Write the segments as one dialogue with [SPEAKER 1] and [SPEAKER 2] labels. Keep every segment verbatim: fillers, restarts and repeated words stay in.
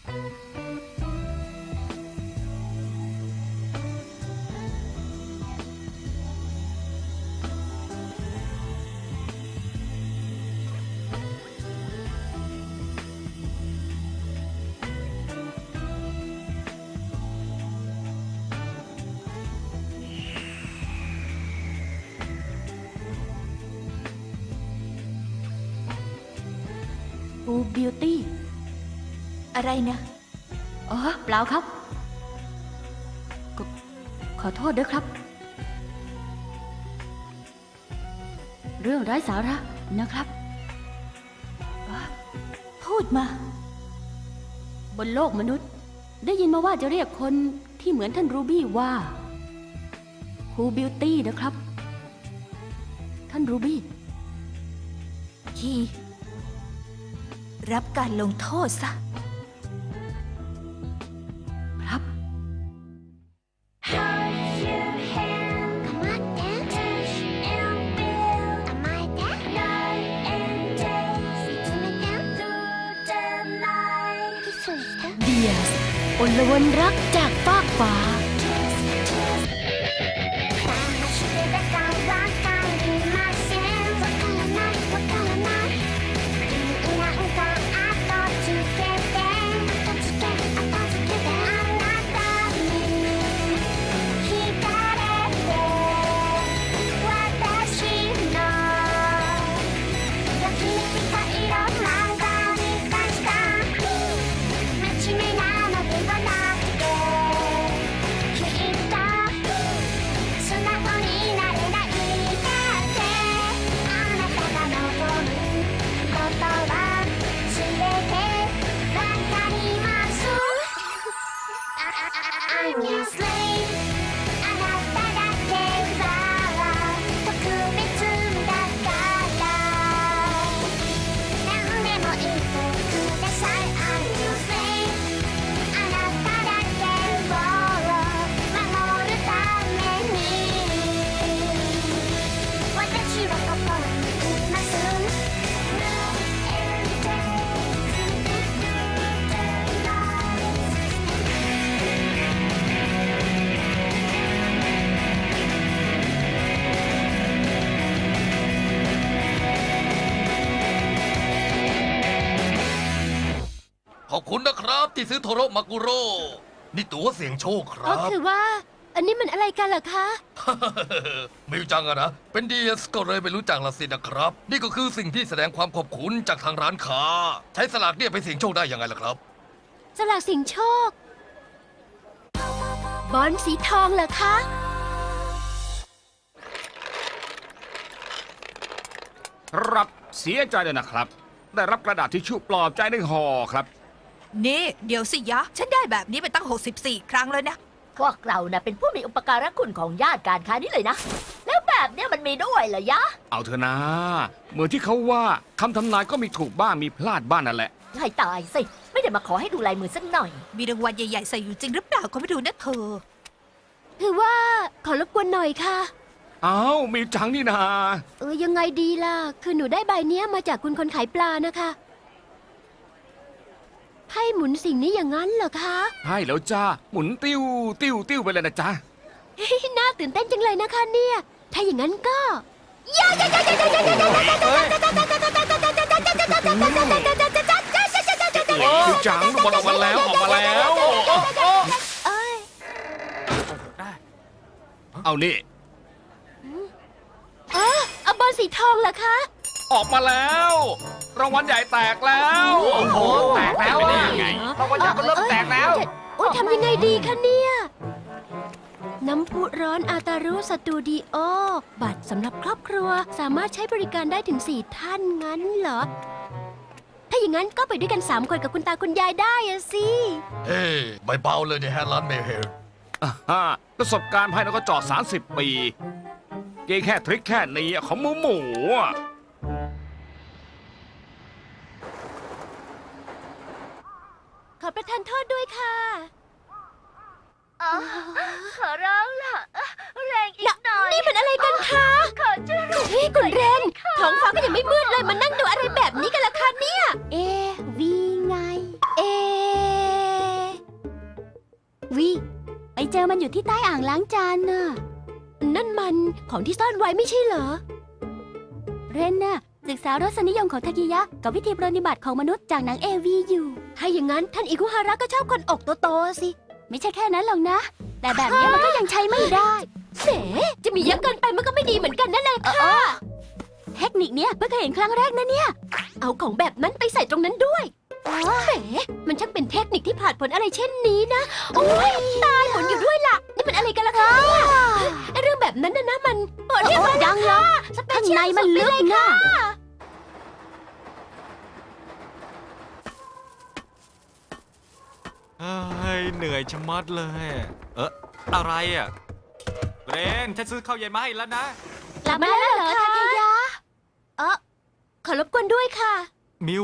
[SPEAKER 1] บูบิวตี้อะไรนะอ๋อเปล่าครับขอขอโทษด้วยครับเรื่องไร้สาระนะครับอ๋อพูดมาบนโลกมนุษย์ได้ยินมาว่าจะเรียกคนที่เหมือนท่านรูบี้ว่าบูบิวตี้นะครับท่านรูบี้คีรับการลงโทษซะครับเดียสอลวนรักจากฟากฟ้า
[SPEAKER 2] ขอบคุณนะครับที่ซื้อโทโรมากุโร่นี่ตั๋วเสี่ยงโชคครั
[SPEAKER 1] ก็
[SPEAKER 2] บ
[SPEAKER 1] คือว่าอันนี้มันอะไรกันล่ะคะ
[SPEAKER 2] ไม่รู้จักอะนะเป็นดีเอสก็เลยไม่รู้จักละสินะครับนี่ก็คือสิ่งที่แสดงความขอบคุณจากทางร้านค้าใช้สลากเนี่ยไปเสี่ยงโชคได้ยังไงล่ะครับ
[SPEAKER 1] สลากเสี่ยงโชคบอลสีทองเหรอคะ
[SPEAKER 3] รับเสียใจเลยนะครับ ได้รับกระดาษทิชชู่ปลอบใจหนึ่งห่อครับ
[SPEAKER 4] นี่เดี๋ยวสิยะ ฉันได้แบบนี้ไปตั้งหกสิบสี่ครั้งแล้วนะ
[SPEAKER 5] พวกเรานะเป็นผู้มีอุปการะคุณของญาติการค้านี่เลยนะ แล้วแบบเนี้ยมันมีด้วยเหรอยะ
[SPEAKER 3] เอาเถอะนะเหมือนที่เขาว่าคำทำนายก็มีถูกบ้างมีพลาดบ้างนั่นแหละ
[SPEAKER 5] ให้ตายสิ ไม่ได้มาขอให้ดูลายมือสักหน่อย
[SPEAKER 4] มีรางวัลใหญ่ๆใส่อยู่จริงหรือเปล่าก็ไม่ดูนะเธอ
[SPEAKER 1] คือว่าขอรบกวนหน่อยค่ะ
[SPEAKER 3] เอามีจังนี่นา
[SPEAKER 1] เออยังไงดีล่ะ คือหนูได้ใบเนี้ยมาจากคุณคนขายปลานะคะให้หมุนสิ่งนี้อย่างนั้นเหรอคะ
[SPEAKER 3] ให้แล้วจ้าหมุนติ้วติ้วติ้วไปเลยนะจ๊ะ
[SPEAKER 1] น่าตื่นเต้นจังเลยนะคะเนี่ย ถ้าอย่างนั้นก็
[SPEAKER 3] คือจังบอลออกมาแล้วออกมาแล้ว
[SPEAKER 1] เอ้ย
[SPEAKER 3] เอานี่
[SPEAKER 1] อ๋อเอาบอลสีทองเหรอคะ
[SPEAKER 3] ออกมาแล้วรางวัลใหญ่แตกแล้วโอ้โหแตกแล้วได้ยังไงรางวัลใหญ่มันเริ่มแตกแล้ว
[SPEAKER 1] โอ้ยทำยังไงดีคะเนี่ย น้ำพุร้อนอาตารุสตูดิโอ บัตรสำหรับครอบครัวสามารถใช้บริการได้ถึงสี่ท่านงั้นเหรอ ถ้าอย่างนั้นก็ไปด้วยกันสามคนกับคุณตาคุณยายได้อะสิ
[SPEAKER 2] เฮ้ยใบเบาเลยเนี่ยฮะร้านเมลเฮล
[SPEAKER 3] อ่าฮะประสบการณ์ภายในก็จอดสามสิบปีเกงแค่ทริคแค่นี้ของหมูหมูอะ
[SPEAKER 1] ขอประทานโทษด้วยค่ะ
[SPEAKER 5] ขอร้องล่ะ แรงอีกหน่อย
[SPEAKER 1] นี่มันอะไรกันคะ
[SPEAKER 5] ขอช่วย
[SPEAKER 1] เฮ้ยคุณเรนท้องฟ้าก็ยังไม่มืดเลยมานั่งดูอะไรแบบนี้กันล่ะคะเนี่ย เอวีไง เอที่ใต้อ่างล้างจานน่ะ นั่นมันของที่ซ่อนไว้ไม่ใช่เหรอ เรนน่ะศึกษารสนิยมของทากิยะกับวิธีปรนนิบัติของมนุษย์จากหนังเอวีอยู่ ถ้าอย่างนั้นท่านอิคุฮาระก็ชอบคนอกโตๆสิ ไม่ใช่แค่นั้นหรอกนะ แต่แบบนี้มันก็ยังใช้ไม่ได้เสจะมีเยอะเกินไปมันก็ไม่ดีเหมือนกันนั่นแหละค่ะ เทคนิคเนี้ยเพิ่งเคยเห็นครั้งแรกนะเนี่ย เอาของแบบนั้นไปใส่ตรงนั้นด้วยแหมมันช่างเป็นเทคนิคที่ผ่านผลอะไรเช่นนี้นะ โอ้ยตายหมุนอยู่ด้วยล่ะ นี่มันอะไรกันล่ะคะเนี่ยไอ้เรื่องแบบนั้นนะนะมันเปิดเรียกว่ายังเหรอข้างในมันลึกนะ
[SPEAKER 6] เอ้ยเหนื่อยชะมัดเลย เอออะไรอ่ะเรนฉันซื้อข้าวเย็นมาให้แล้วนะ
[SPEAKER 1] กลับมาแล้วเหรอทาเคยะเออขอรบกวนด้วยค่ะ
[SPEAKER 6] มิว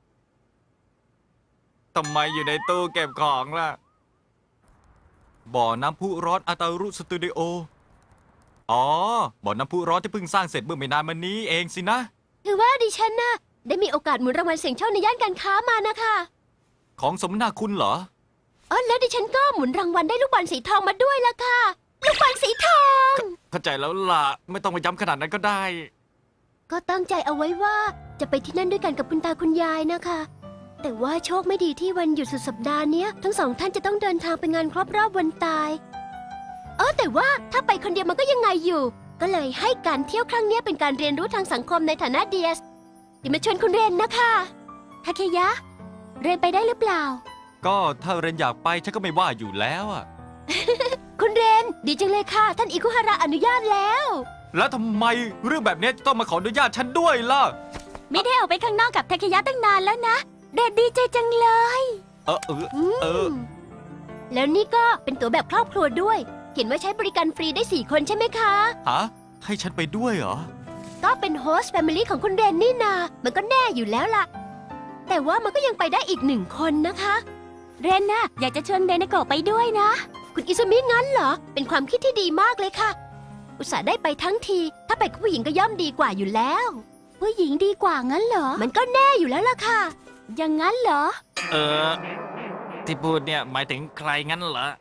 [SPEAKER 6] ทำไมอยู่ในตู้เก็บของล่ะ บ่อน้ำพุร้อนอาตารุสตูดิโอ อ๋อ บ่อน้ำพุร้อนที่เพิ่งสร้างเสร็จเมื่อไม่นานมานี้เองสินะ
[SPEAKER 1] คือว่าดิฉันน่ะได้มีโอกาสหมุนรางวัลเสี่ยงโชคในย่านการค้ามานะคะ
[SPEAKER 6] ของสมนาคุณเหรอ
[SPEAKER 1] อ๋อแล้วดิฉันก็หมุนรางวัลได้ลูกบอลสีทองมาด้วยล่ะค่ะ ลูกบอลสีทอง
[SPEAKER 6] เข้าใจแล้วล่ะ ไม่ต้องไปย้ำขนาดนั้นก็ได้
[SPEAKER 1] ก็ตั้งใจเอาไว้ว่าจะไปที่นั่นด้วยกันกับคุณตาคุณยายนะคะ แต่ว่าโชคไม่ดีที่วันหยุดสุดสัปดาห์เนี้ยทั้งสองท่านจะต้องเดินทางไปงานครบรอบวันตาย เออแต่ว่าถ้าไปคนเดียวมันก็ยังไงอยู่ ก็เลยให้การเที่ยวครั้งเนี้ยเป็นการเรียนรู้ทางสังคมในฐานะเดียสเดี๋ยวมาชวนคุณเรนนะคะทาเคยะ เรนไปได้หรือเปล่า
[SPEAKER 6] ก็ถ้าเรนอยากไปฉันก็ไม่ว่าอยู่แล้วอะ
[SPEAKER 1] คุณเรนดีจังเลยค่ะ ท่านอิคุฮาระอนุญาตแล้ว
[SPEAKER 6] แล้วทำไมเรื่องแบบนี้จะต้องมาขออนุญาตฉันด้วยล่ะ
[SPEAKER 1] ไม่ได้ออกไปข้างนอกกับทาเคยะตั้งนานแล้วนะเรนดีใจจังเลย
[SPEAKER 6] เออเออเออ
[SPEAKER 1] มแล้วนี่ก็เป็นตั๋วแบบครอบครัวด้วย เขียนว่าใช้บริการฟรีได้สี่คนใช่ไหมคะ
[SPEAKER 6] ฮะให้ฉันไปด้วยเหรอ
[SPEAKER 1] ก็เป็นโฮสต์แฟมิลี่ของคุณเรนนี่นา มันก็แน่อยู่แล้วล่ะ แต่ว่ามันก็ยังไปได้อีกหนึ่งคนนะคะ เรนน่ะอยากจะชวนเรนโกะไปด้วยนะ คุณอิซุมิงั้นเหรอ เป็นความคิดที่ดีมากเลยค่ะ อุตส่าห์ได้ไปทั้งที ถ้าไปกับผู้หญิงก็ย่อมดีกว่าอยู่แล้ว ผู้หญิงดีกว่างั้นเหรอ มันก็แน่อยู่แล้วล่ะค่ะ อย่างนั้นเหรอ
[SPEAKER 6] เออ ที่พูดเนี่ยหมายถึงใครงั้นเหรอ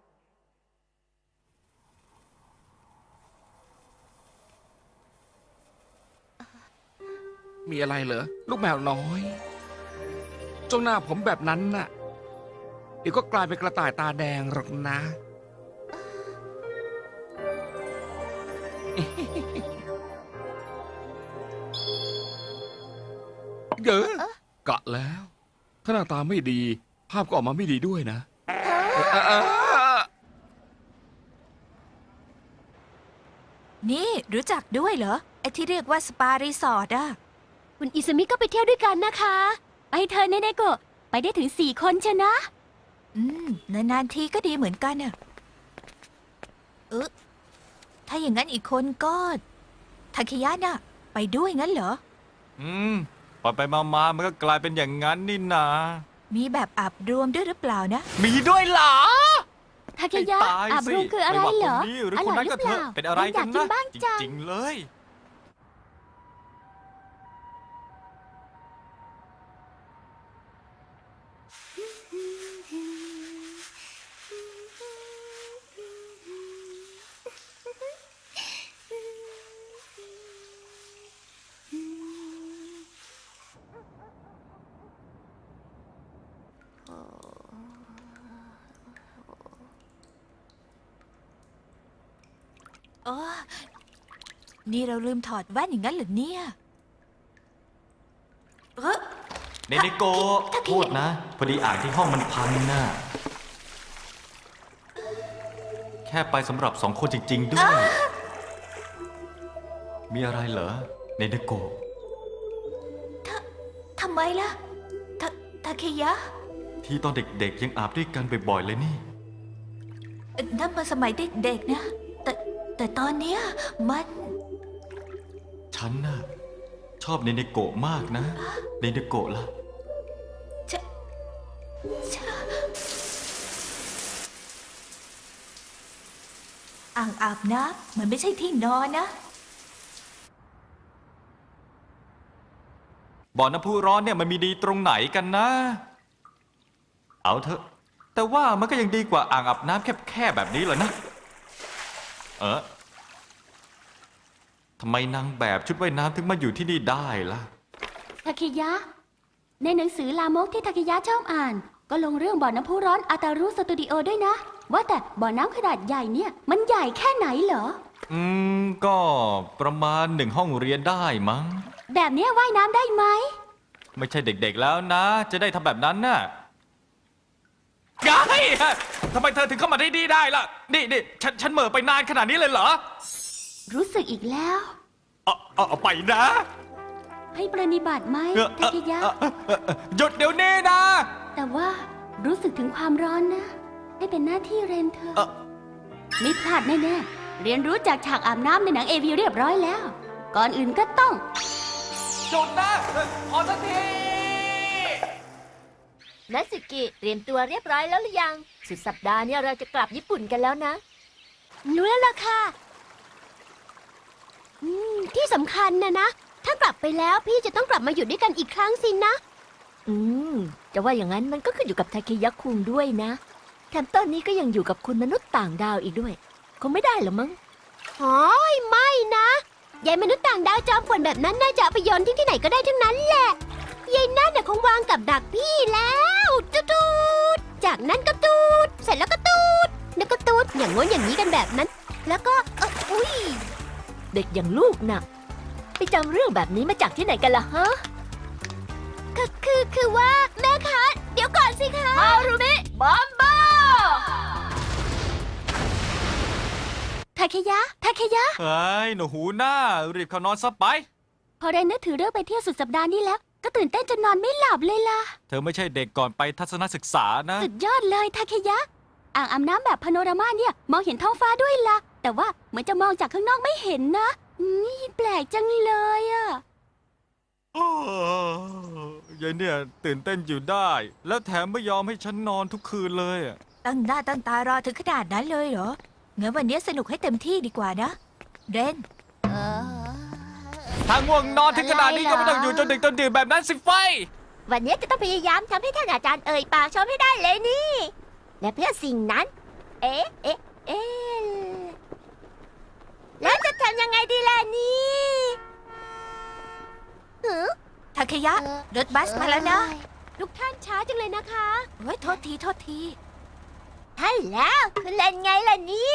[SPEAKER 3] มีอะไรเหรอ ลูกแมวน้อยจ้องหน้าผมแบบนั้นน่ะ เดี๋ยวก็กลายเป็นกระต่ายตาแดงหรอกนะ เด้อกะแล้ว ถ้าหน้าตาไม่ดี ภาพก็ออกมาไม่ดีด้วยนะเอ่อเอ่อ
[SPEAKER 4] นี่รู้จักด้วยเหรอ ไอ้ที่เรียกว่าสปารีสอร์ทอะ
[SPEAKER 1] คุณอิซุมิก็ไปเที่ยวด้วยกันนะคะ ไปเธอเนเนโกะไปได้ถึงสี่คนเชยวนะ
[SPEAKER 4] อืมนานๆทีก็ดีเหมือนกันอะเออถ้าอย่างนั้นอีกคนก็ทาเคยะน่ะ ไปด้วยงั้นเหรอ
[SPEAKER 6] อืมไปไปมามามันก็กลายเป็นอย่างนั้นนี่นา
[SPEAKER 4] มีแบบอาบรวมด้วยหรือเปล่านะ
[SPEAKER 6] มีด้วยเหรอ
[SPEAKER 1] ทาเคยะ
[SPEAKER 6] ให้ตาย
[SPEAKER 1] อาบ
[SPEAKER 6] สิ
[SPEAKER 1] รวมคืออะไร
[SPEAKER 6] ม่ว่า
[SPEAKER 1] เหรอ
[SPEAKER 6] คนนี้หรือ
[SPEAKER 1] อ
[SPEAKER 6] คน
[SPEAKER 1] ร่อย
[SPEAKER 6] นั้น
[SPEAKER 1] หรื
[SPEAKER 6] ก็
[SPEAKER 1] อเป
[SPEAKER 6] เถ
[SPEAKER 1] ล่า
[SPEAKER 6] อะเป็นอะไร
[SPEAKER 1] อ
[SPEAKER 6] กั
[SPEAKER 1] ยาน กกิ
[SPEAKER 6] นะ
[SPEAKER 1] นบ้าง
[SPEAKER 6] จ
[SPEAKER 1] จัง
[SPEAKER 6] ริงๆเลย
[SPEAKER 4] เออนี่เราลืมถอดแว่นอย่างนั้นเหรอเนี่ย เออ
[SPEAKER 6] เนเนโกะโทษนะ พอดีอ่างที่ห้องมันพังน่ะ แค่ไปสำหรับสองคนจริง ๆ ด้วย มีอะไรเหรอ เนเนโกะ
[SPEAKER 4] ทำไมล่ะทาทาเคยะ
[SPEAKER 6] ที่ตอนเด็กๆยังอาบด้วยกันบ่อยๆเลยนี่
[SPEAKER 4] เอ่อนั่นมาสมัยเด็กๆนะ แต่แต่ตอนเนี้ยมัน
[SPEAKER 6] ฉันน่ะชอบเนเนโกะมากนะ เนเนโกะล่ะ
[SPEAKER 4] จะจะอ่างอาบน้ำมันไม่ใช่ที่นอนนะ
[SPEAKER 6] บ่อน้ำพุร้อนเนี่ยมันมีดีตรงไหนกันนะ เอาเถอะ แต่ว่ามันก็ยังดีกว่าอ่างอาบน้ำแคบๆแบบนี้เหรอนะเออทำไมนางแบบชุดว่ายน้ำถึงมาอยู่ที่นี่ได้ล่ะ
[SPEAKER 1] ทาเคยะ ในหนังสือลามกที่ทาเคยะชอบอ่าน ก็ลงเรื่องบ่อน้ำพุร้อนอาตารุสตูดิโอด้วยนะ ว่าแต่บ่อน้ำขนาดใหญ่เนี่ย มันใหญ่แค่ไหนเหรอ
[SPEAKER 6] อืม ก็ประมาณหนึ่งห้องเรียนได้มั้ง
[SPEAKER 1] แบบเนี้ยว่ายน้ำได้ไหม
[SPEAKER 6] ไม่ใช่เด็กๆแล้วนะ จะได้ทำแบบนั้นน่ะไงทำไมเธอถึงเข้ามาได้ดีได้ล่ะ นี่นี่ฉันฉันเหม่อไปนานขนาดนี้เลยเหรอ
[SPEAKER 1] รู้สึกอีกแล้ว
[SPEAKER 6] เอาเอาเอาไปนะ
[SPEAKER 1] ให้ปรนิบัติไหม
[SPEAKER 6] เออ
[SPEAKER 1] ทาเคยะ
[SPEAKER 6] เออเออเออเออหยุดเดี๋ยวนี้นะ
[SPEAKER 1] แต่ว่ารู้สึกถึงความร้อนนะ ให้เป็นหน้าที่เรนเธอ
[SPEAKER 6] เออ
[SPEAKER 1] ไม่พลาดแน่ๆ เรียนรู้จากฉากอาบน้ำในหนังเอวีเรียบร้อยแล้ว ก่อนอื่นก็ต้อง
[SPEAKER 6] หยุดนะพอสักที
[SPEAKER 5] นัสกิเตรียมตัวเรียบร้อยแล้วหรือยัง สุดสัปดาห์เนี่ยเราจะกลับญี่ปุ่นกันแล้วนะ
[SPEAKER 1] รู้แล้วล่ะค่ะ อืม ที่สำคัญนะนะ ถ้ากลับไปแล้วพี่จะต้องกลับมาอยู่ด้วยกันอีกครั้งสินะ
[SPEAKER 5] อืม จะว่าอย่างนั้นมันก็ขึ้นอยู่กับทาเคยะคุงด้วยนะ แถมตอนนี้ก็ยังอยู่กับคุณมนุษย์ต่างดาวอีกด้วย คงไม่ได้หรอมั้ง
[SPEAKER 1] โอ้ยไม่นะยายมนุษย์ต่างดาวจอมป่วนแบบนั้นน่าจะเอาไปโยนทิ้งที่ไหนก็ได้ทั้งนั้นแหละยายนั่นน่ะคงวางกับดักพี่แล้วตูดตูดจากนั้นก็ตูดเสร็จแล้วก็ตูดแล้วก็ตูดอย่างง้นอย่างนี้กันแบบนั้น แล้วก็เอ้ออุ้ย
[SPEAKER 5] เด็กอย่างลูกน่ะ ไปจำเรื่องแบบนี้มาจากที่ไหนกันล่ะฮะ
[SPEAKER 1] คือคือคือว่าแม่คะเดี๋ยวก่อนสิคะ
[SPEAKER 5] ฮารุมิบอมบ้า
[SPEAKER 1] ทาเคยะทาเคยะ
[SPEAKER 6] เฮ้ย หนูหูหน้า รีบเข้านอนซะไป
[SPEAKER 1] พอเรนนึกถึงเรื่องไปเที่ยวสุดสัปดาห์นี้แล้ว ก็ตื่นเต้นจนนอนไม่หลับเลยล่ะ
[SPEAKER 6] เธอไม่ใช่เด็กก่อนไปทัศนศึกษานะ
[SPEAKER 1] สุดยอดเลยทาเคยะ อ่างอาบน้ำแบบพาโนรามาเนี่ยมองเห็นท้องฟ้าด้วยล่ะ แต่ว่าเหมือนจะมองจากข้างนอกไม่เห็นนะนี่แปลกจังเลยอะ
[SPEAKER 6] โอ้ยายเนี่ยตื่นเต้นอยู่ได้ แล้วแถมไม่ยอมให้ฉันนอนทุกคืนเลยอะ
[SPEAKER 4] ตั้งหน้าตั้งตารอถึงขนาดนั้นเลยเหรองั้นวันนี้สนุกให้เต็มที่ดีกว่านะ เรน
[SPEAKER 6] ถ้าง่วงนอนถึงขนาดนี้ก็ไม่ต้องอยู่จนดึกจนดื่นแบบนั้นสิไฟ
[SPEAKER 5] วันนี้จะต้องพยายามทำให้ท่านอาจารย์เอ่ยปากชมให้ได้เลยนี่ และเพื่อสิ่งนั้น เอ๊ะ เอ๊ะ เอ๊ะ แล้วจะทำยังไงดีล่ะนี่หือ
[SPEAKER 4] ทาเคยะ รถบัสมาแล้วนะ
[SPEAKER 1] ทุกท่านช้าจังเลยนะคะ
[SPEAKER 4] เฮ้ยโทษทีโทษที
[SPEAKER 5] ใช่แล้วคุณเล่นไงล่ะนี่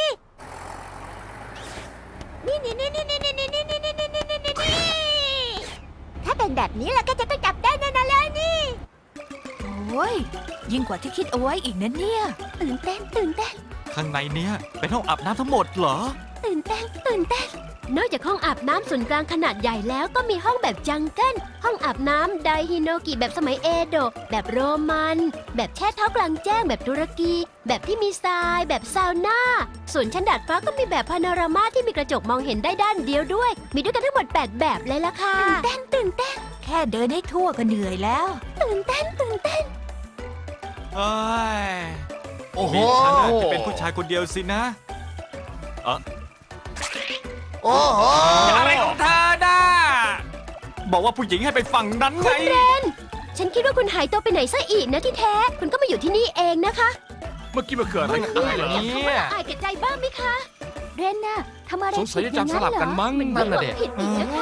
[SPEAKER 5] นี่นี่นี่นี่นี่นี่นี่นี่นี่นี่นี่นี่นี่ถ้าเป็นแบบนี้แล้วก็จะต้องจับได้แน่นอนเลยนี่
[SPEAKER 4] โอ้ยยิ่งกว่าที่คิดเอาไว้อีกนะเนี่ย
[SPEAKER 1] ตื่นเต้นตื่นเต้น
[SPEAKER 6] ข้างในเนี้ยเป็นห้องอาบน้ำทั้งหมดเหรอ
[SPEAKER 1] ตื่นเต้นตื่นเต้น นอกจากห้องอาบน้ำส่วนกลางขนาดใหญ่แล้วก็มีห้องแบบจังเกิลห้องอาบน้ำไดฮิโนกิแบบสมัยเอโดะแบบโรมัน แบบแช่เท้ากลางแจ้งแบบตุรกี แบบที่มีทราย แบบซาวน่า ส่วนชั้นดาดฟ้าก็มีแบบพาโนรามาที่มีกระจกมองเห็นได้ด้านเดียวด้วย มีด้วยกันทั้งหมดแปดแบบเลยล่ะค่ะ ตื่นเต้นตื่นเต้น
[SPEAKER 4] แค่เดินให้ทั่วก็เหนื่อยแล้ว
[SPEAKER 1] ตื่นเต้นตื่นเต้น
[SPEAKER 6] เอ้ย
[SPEAKER 2] โอ้โห
[SPEAKER 6] มีฉันน่ะจะเป็นผู้ชายคนเดียวสินะเออ
[SPEAKER 2] โอ้โห
[SPEAKER 6] อะไรของเธอน่ะบอกว่าผู้หญิงให้ไปฝั่งนั้นไง
[SPEAKER 1] ฉันคิดว่าคุณหายตัวไปไหนซะอีกนะที่แท้ คุณก็มาอยู่ที่นี่เองนะคะ
[SPEAKER 3] เมื่อกี้มันเกิดอะไรขึ้นเหรอ
[SPEAKER 1] คำว่าละอายแก่ใจบ้างไหมคะ เรนน่ะทำอะไร
[SPEAKER 3] สงสัยจะจำสลับกันมั้ง
[SPEAKER 1] ผิดอย่างนั้นเหรอมันผิดอีกนะคะ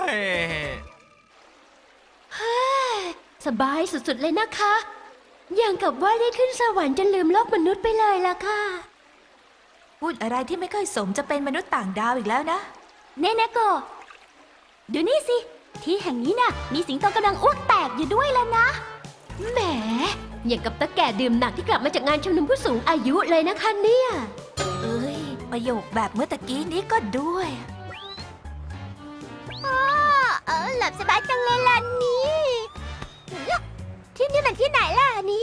[SPEAKER 6] เอ้ย
[SPEAKER 1] สบายสุดๆเลยนะคะ อย่างกับว่าได้ขึ้นสวรรค์จนลืมโลกมนุษย์ไปเลยล่ะค่ะ
[SPEAKER 4] พูดอะไรที่ไม่ค่อยสมจะเป็นมนุษย์ต่างดาวอีกแล้วนะ
[SPEAKER 1] เนเนโกะดูนี่สิ ที่แห่งนี้น่ะ มีสิงโตกำลังอ้วกแตกอยู่ด้วยแล้วนะ แหม อย่างกับตะแก่ดื่มหนักที่กลับมาจากงานชุมนุมผู้สูงอายุเลยนะคะเนี่ย
[SPEAKER 4] เอ้ย ประโยคแบบเมื่อตะกี้นี้ก็ด้วย
[SPEAKER 1] เออหลับสบายจังเลยล่ะนี่ที่นี่มันที่ไหนล่ะนี้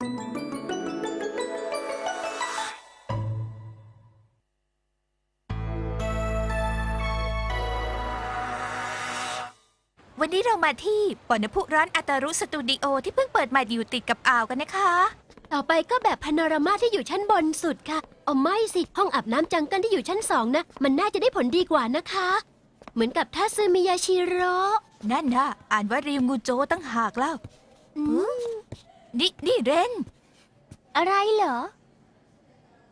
[SPEAKER 4] วันนี้เรามาที่บ่อน้ำพุร้อนอาตารุสตูดิโอที่เพิ่งเปิดใหม่อยู่ติดกับอ่าวกันนะคะ
[SPEAKER 1] ต่อไปก็แบบพาโนรามาที่อยู่ชั้นบนสุดค่ะเอาไม่สิ ห้องอาบน้ำจังเกิลที่อยู่ชั้นสองนะ มันน่าจะได้ผลดีกว่านะคะ เหมือนกับทัซึมิยาชิโร่
[SPEAKER 4] นั่นนะอ่านว่าริวงูโจตั้งหากแล้ว
[SPEAKER 1] อืม
[SPEAKER 4] นี่นี่เรน
[SPEAKER 1] อะไรเหรอ
[SPEAKER 5] ไม่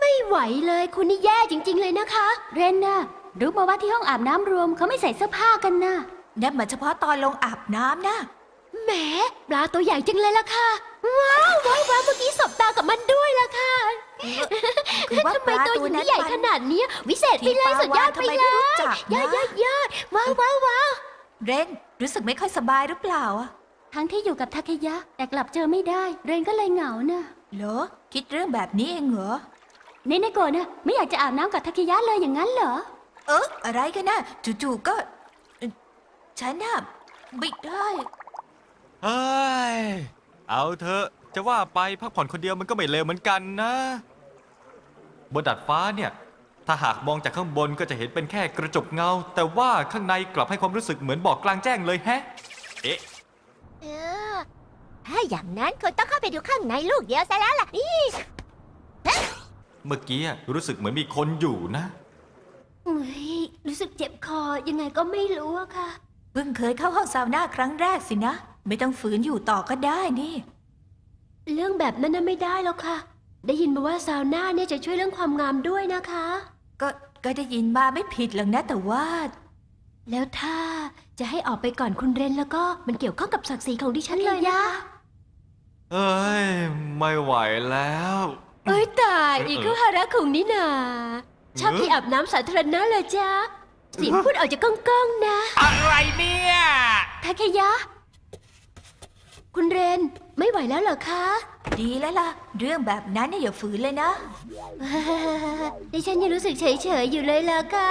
[SPEAKER 1] ไม่ไหวเลยคุณนี่แย่จริง ๆ เลยนะคะ เรนน่ะรู้มาว่าที่ห้องอาบน้ำรวมเขาไม่ใส่เสื้อผ้ากันนะ
[SPEAKER 4] นั่นมันเฉพาะตอนลงอาบน้ำนะ
[SPEAKER 1] แหมปลาตัวใหญ่จังเลยล่ะค่ะ ว้าวว้าวว้าวเมื่อกี้สบตากับมันด้วยล่ะค่ะ
[SPEAKER 4] คือว่า
[SPEAKER 1] ทำ
[SPEAKER 4] ป
[SPEAKER 1] ไม
[SPEAKER 4] ลา
[SPEAKER 1] ตัว
[SPEAKER 4] ตัว
[SPEAKER 1] นี้
[SPEAKER 4] นั้น
[SPEAKER 1] ใหญ่
[SPEAKER 4] มัน
[SPEAKER 1] ขนาดเนี้ยวิเศษไปเลย
[SPEAKER 4] ที่ปลา
[SPEAKER 1] สุดยอด
[SPEAKER 4] วาฬ
[SPEAKER 1] ไป
[SPEAKER 4] ทำไม
[SPEAKER 1] เล
[SPEAKER 4] ไม่รู้
[SPEAKER 1] ย
[SPEAKER 4] จักนะ
[SPEAKER 1] ยอดยอดยอดว้าวว้าวว้าว
[SPEAKER 4] เรนรู้สึกไม่ค่อยสบายหรือเปล่าอะ
[SPEAKER 1] ทั้งที่อยู่กับทาเคยะ แต่กลับเจอไม่ได้ เรนก็เลยเหงาน่ะ
[SPEAKER 4] เหรอคิดเรื่องแบบนี้เองเหรอ
[SPEAKER 1] เนเนโกะน่ะไม่อยากจะอาบน้ำกับทาเคยะเลยอย่างนั้นเหรอ
[SPEAKER 4] เอออะไรกันนะจู่ๆก็เอ่อฉันน่ะไม่ได้
[SPEAKER 6] เฮ้ย เอาเถอะ จะว่าไปพักผ่อนคนเดียวมันก็ไม่เลวเหมือนกันนะ บนดาดฟ้าเนี่ย ถ้าหากมองจากข้างบนก็จะเห็นเป็นแค่กระจกเงา แต่ว่าข้างในกลับให้ความรู้สึกเหมือนบอกกลางแจ้งเลยแฮะ เอ๊ะ
[SPEAKER 5] เออ ถ้าอย่างนั้นคุณต้องเข้าไปดูข้างในลูกเดียวซะแล้วล่ะนี่
[SPEAKER 6] เมื่อกี้รู้สึกเหมือนมีคนอยู่นะ
[SPEAKER 1] เฮ้ยรู้สึกเจ็บคอยังไงก็ไม่รู้อะค่ะ
[SPEAKER 4] เพิ่งเคยเข้าห้องซาวน่าครั้งแรกสินะ ไม่ต้องฝืนอยู่ต่อก็ได้นี่
[SPEAKER 1] เรื่องแบบนั้นน่ะไม่ได้แล้วค่ะ ได้ยินมาว่าซาวน่าเนี่ยจะช่วยเรื่องความงามด้วยนะคะ
[SPEAKER 4] ก็ก็ได้ยินมาไม่ผิดหรอกนะแต่ว่า
[SPEAKER 1] แล้วถ้าจะให้ออกไปก่อนคุณเรนแล้วก็มันเกี่ยวข้องกับศักดิ์ศรีของดิฉันเลยนะ
[SPEAKER 6] เอ้ย ไม่ไหวแล้ว
[SPEAKER 1] เอ้ยตาย
[SPEAKER 6] เออ
[SPEAKER 1] อีกคือฮาระคุงนี่นาชอบที่อาบน้ำสาธารณะเลยจ้าเสียงพูดออกจากก้องๆนะ
[SPEAKER 3] อะไรเนี่ย
[SPEAKER 1] ทาเคยะ คุณเรนไม่ไหวแล้วเหรอคะ
[SPEAKER 4] ดีแล้วล่ะ เรื่องแบบนั้นเนี่ยอย่าฝืนเลยนะ
[SPEAKER 1] ดิฉันยังรู้สึกเฉยๆอยู่เลยล่ะค่ะ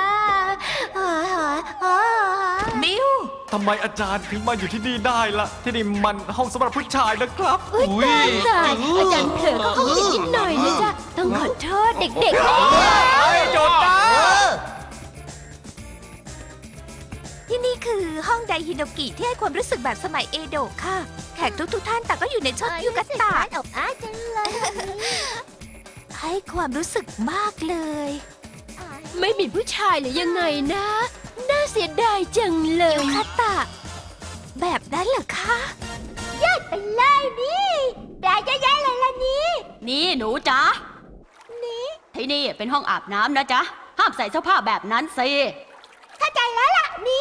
[SPEAKER 4] มิว
[SPEAKER 6] ทำไมอาจารย์ถึงมาอยู่ที่นี่ได้ล่ะ ที่นี่มันห้องสำหรับผู้ชายนะครับ
[SPEAKER 1] อุ้ยตายตายอาจารย์เผลอเข้าห้องผิดนิดหน่อยนะจ๊ะต้องขอโทษเด็กๆนะเนี่ย
[SPEAKER 3] จดนะ
[SPEAKER 4] ที่นี่คือห้องไดฮิโนกิที่ให้ความรู้สึกแบบสมัยเอโดะค่ะ แขกทุกๆท่านแต่างก็อยู่ในชุดยูกะตะ
[SPEAKER 5] อบอ้าจังเลย
[SPEAKER 4] ให้ความรู้สึกมากเลย
[SPEAKER 1] ไม่มีผู้ชายหรือยังไงนะ น่าเสียดายจังเลย
[SPEAKER 4] ยูคาตะ แบบนั้นเหรอคะ
[SPEAKER 5] ไปเลยนี่แปลเยอะแยะเลยล่ะนี่
[SPEAKER 1] นี่หนูจ๊ะนี่ที่นี่เป็นห้องอาบน้ำนะจ๊ะ ห้ามใส่เสื้อผ้าแบบนั้นสิ
[SPEAKER 5] เข้าใจแล้วล่ะนี่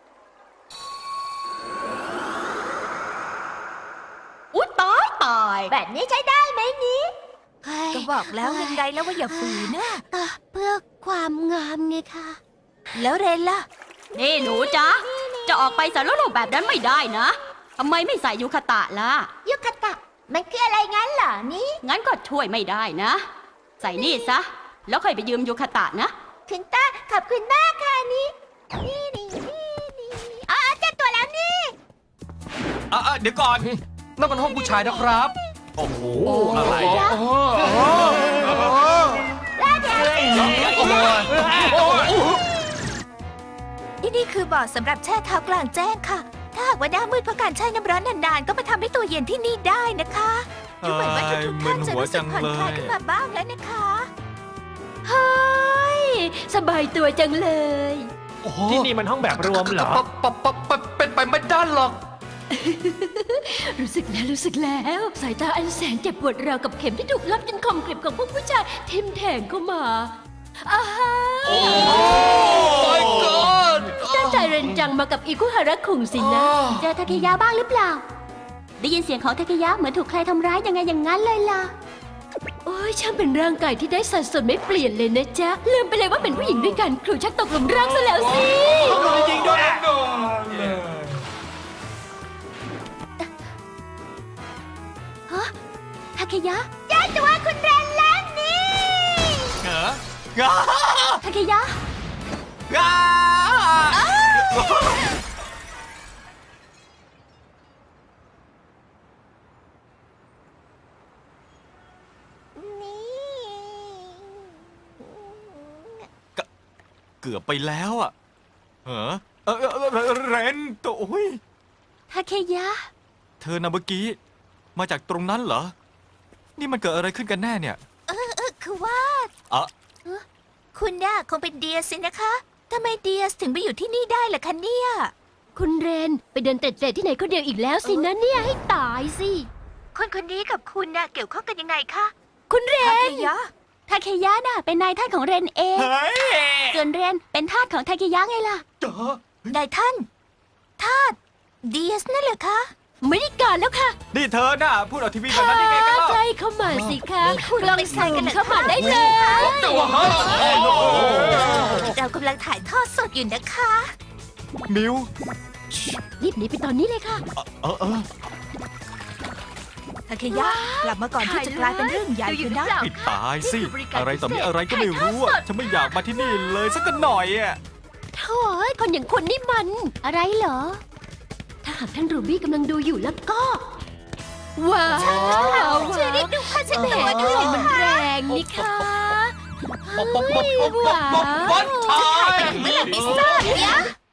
[SPEAKER 1] อุ๊ยตายตาย
[SPEAKER 5] แบบนี้ใช้ได้ไหมนี่
[SPEAKER 4] ก็บอกแล้วยังไงแล้วว่าอย่าฝืนนะ
[SPEAKER 1] ก็เพื่อความงามไงคะ
[SPEAKER 4] แล้วเรนล่ะ
[SPEAKER 1] นี่หนูจ๊ะ จะออกไปสารโลกแบบนั้นไม่ได้นะทำไมไม่ใส่ยูคาตะล่ะ
[SPEAKER 5] ยุคตะ มันคืออะไรงั้นเหรอนี่
[SPEAKER 1] งั้นก็ช่วยไม่ได้นะ ใส่นี่ซะ แล้วค่อยไปยืมยูคาตะนะ
[SPEAKER 5] คุณตาขอบคุณมากค่ะนี่ นี่นี่นี่นี่อ๋อเจอตัวแล้วนี่
[SPEAKER 6] อ่ะอ่ะเดี๋ยวก่อน
[SPEAKER 3] นั่นมันห้องผู้ชายนะครับ
[SPEAKER 6] โอ้โห
[SPEAKER 3] อะไรอ่ะ
[SPEAKER 4] ที่นี่คือบ่อสำหรับแช่เท้ากลางแจ้งค่ะ ถ้าหากว่าหน้ามืดเพราะการแช่น้ำร้อนนานๆ ก็มาทำให้ตัวเย็นที่นี่ได้นะคะดูเหมือนว่าทุกๆท่านจะรู้สึกผ่อนคลายขึ้นมาบ้างแล้วนะคะ
[SPEAKER 1] เฮ้ย สบายตัวจังเลย
[SPEAKER 7] ที่นี่มันห้องแบบรวมเหรอ
[SPEAKER 3] ปะปะปะเป็นไปไม่ได้หรอก
[SPEAKER 1] รู้สึกแล้วรู้สึกแล้ว สายตาอันแสนเจ็บปวดราวกับเข็มที่ถูกลับจนคมกริบของพวกผู้ชายทิ่มแทงเข้ามาอาฮา
[SPEAKER 3] my god
[SPEAKER 1] ตั้งใจเรนจังมากับอิคุฮาระคุงสินะ
[SPEAKER 3] อ๋อ
[SPEAKER 1] เจอทาเคยะบ้างหรือเปล่า ได้ยินเสียงของทาเคยะเหมือนถูกใครทำร้ายยังไงอย่างนั้นเลยล่ะ โอ้ยช่างเป็นร่างกายที่ได้สัดส่วนไม่เปลี่ยนเลยนะจ๊ะ ลืมไปเลยว่าเป็นผู้หญิงด้วยกันครูชักตกหลุมรักซะแล้วสิ
[SPEAKER 3] จริงด้วย
[SPEAKER 1] ฮะทาเคยะ
[SPEAKER 5] เจอตัวคุณเรนแล้วนี่
[SPEAKER 6] เหรออ้า
[SPEAKER 1] ทาเคยะ
[SPEAKER 6] อ้า
[SPEAKER 5] นี่
[SPEAKER 6] เกือบไปแล้วอ่ะเหรอเออเออเออเรนตัวโอ้ย
[SPEAKER 1] ทาเคยะ
[SPEAKER 6] เธอนะเมื่อกี้ มาจากตรงนั้นเหรอ นี่มันเกิดอะไรขึ้นกันแน่เนี่ย
[SPEAKER 4] เออเออคือว่า
[SPEAKER 6] อ่ะ
[SPEAKER 4] คุณน่ะคงเป็นเดียสสินะคะทำไมเดียสถึงไปอยู่ที่นี่ได้ล่ะคะเนี่ย
[SPEAKER 1] คุณเรนไปเดินเตะๆที่ไหนคนเดียวอีกแล้วสินะเนี่ยให้ตายสิ
[SPEAKER 4] คนคนนี้กับคุณน่ะเกี่ยวข้องกันยังไงคะ
[SPEAKER 1] คุณเร
[SPEAKER 4] ทาน เคยะ
[SPEAKER 1] ทาเคยะน่ะเป็นนายท่านของเรนเอง
[SPEAKER 6] เฮ้ย
[SPEAKER 1] ส่วนเรนเป็นทาสของทาเคยะไงล่ะ
[SPEAKER 2] จ๋าน
[SPEAKER 4] ายท่าน ทาสเดียสนั่นเหรอคะ
[SPEAKER 1] ไม่ได้การแล้วค่ะ
[SPEAKER 6] นี่เธอน่ะพูดออกทีวีแบบนั้นได้ไงกันเล่า
[SPEAKER 5] ใกล้เข้ามาสิคะคุณลองใส่กันเข้ามาได้เลย
[SPEAKER 2] แต่ว่าฮะ
[SPEAKER 4] เรากำลังถ่ายทอดสดอยู่นะคะ
[SPEAKER 6] มิว
[SPEAKER 5] รีบหนีไปตอนนี้เลยค่ะ
[SPEAKER 6] เออเออ
[SPEAKER 4] ทาเคยะกลับมาก่อนที่จะกลายเป็นเรื่องใหญ่ขึ้นนะ
[SPEAKER 6] ปิดตายสิ อะไรต่อมีอะไรก็ไม่รู้อะฉันไม่อยากมาที่นี่เลยสักหน่อยอะ
[SPEAKER 5] โถ่เอ้ยคนอย่างคุณนี่มัน
[SPEAKER 1] อะไรเหรอ
[SPEAKER 5] ถ้าหากท่านรูบี้กำลังดูอยู่แล้วก็ ว้าว
[SPEAKER 4] ช่วยเรียกดูผ้าเช็ด
[SPEAKER 5] แหม
[SPEAKER 4] ตัวด้วย
[SPEAKER 5] มัน
[SPEAKER 4] ค่ะ
[SPEAKER 5] แรงนี่ค่ะ
[SPEAKER 2] ป๊อปป๊อปป๊อปป๊อปป๊อปป๊อปวันชาย
[SPEAKER 4] เมื่อไหร่ไม่ทราบเนี่ย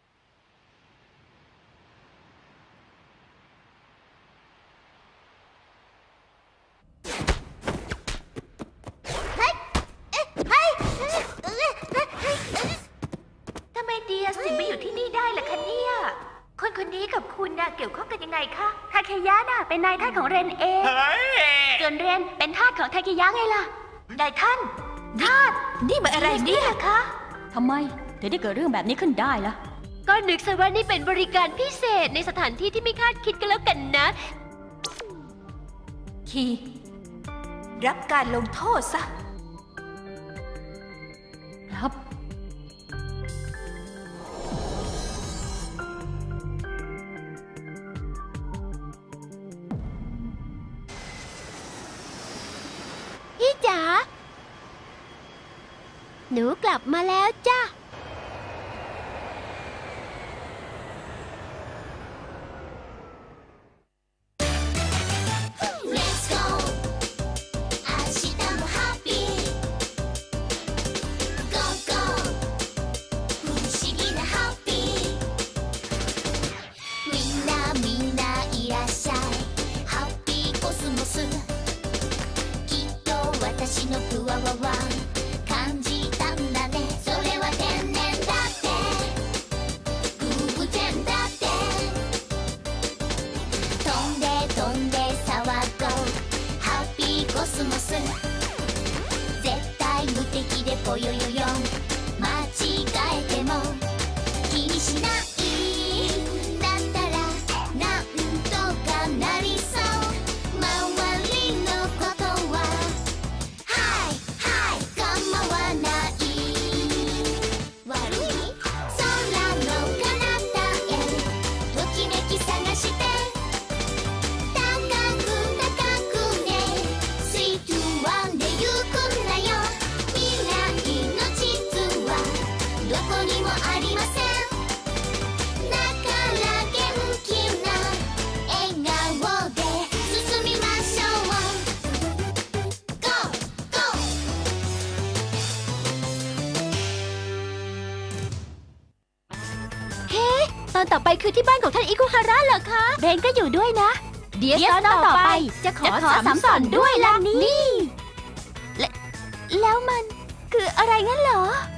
[SPEAKER 4] ทำไมเดียสถึงมาอยู่ที่นี่ได้ล่ะคะเนี่ย คนคนนี้กับคุณน่ะเกี่ยวข้องกันยังไงคะ
[SPEAKER 1] ทาเคยะน่ะเป็นนายท่านของเรนเอง
[SPEAKER 6] เฮ้ย
[SPEAKER 1] ส่วนเรนเป็นทาสของทาเคยะไงล่ะ
[SPEAKER 4] นายท่าน ทาส นี่มันอะไรเนี่ยคะ
[SPEAKER 1] ทำไมถึงได้เกิดเรื่องแบบนี้ขึ้นได้ล่ะ
[SPEAKER 5] ก็นึกซะว่านี่เป็นบริการพิเศษในสถานที่ที่ไม่คาดคิดกันแล้วกันนะ
[SPEAKER 4] คี รับการลงโทษซะ
[SPEAKER 1] ครับ
[SPEAKER 5] พี่จ๋า หนูกลับมาแล้วจ้ะ
[SPEAKER 8] Let's go 明日もハッピー Go go 不思議なハッピーみんなみんないらっしゃいハッピーコスモスきっと私のプワワワ感じたんだねそれは天然だって偶然だって飛んで飛んで騒ごうハッピーコスモス絶対無敵でぽよよよ間違えても気にしないだったらなんとかなりそう周りのことははいはい構わない悪い空の彼方へときめき探して高く高くねスイートワンで行くんだよ未来の地図はどこにもありませんだから元気な笑顔で進みましょう Go Go
[SPEAKER 5] ตอนต่อไปคือที่บ้านของท่านอิคุฮาระเหรอคะ
[SPEAKER 1] เรนก็อยู่ด้วยนะ
[SPEAKER 5] เดี๋ยว
[SPEAKER 1] เดี๋ยว
[SPEAKER 5] ตอนต่อไป
[SPEAKER 1] จะขอ
[SPEAKER 5] จะขอ
[SPEAKER 1] สาม
[SPEAKER 5] สาม
[SPEAKER 1] ส
[SPEAKER 5] ส
[SPEAKER 1] อ
[SPEAKER 5] อน น
[SPEAKER 1] ด้
[SPEAKER 5] ด้
[SPEAKER 1] ว
[SPEAKER 5] วย ย
[SPEAKER 1] ล่ะ
[SPEAKER 5] ล่ะ
[SPEAKER 1] นี่
[SPEAKER 5] นี่
[SPEAKER 1] แล้วมันคืออะไรงั้นเหรอ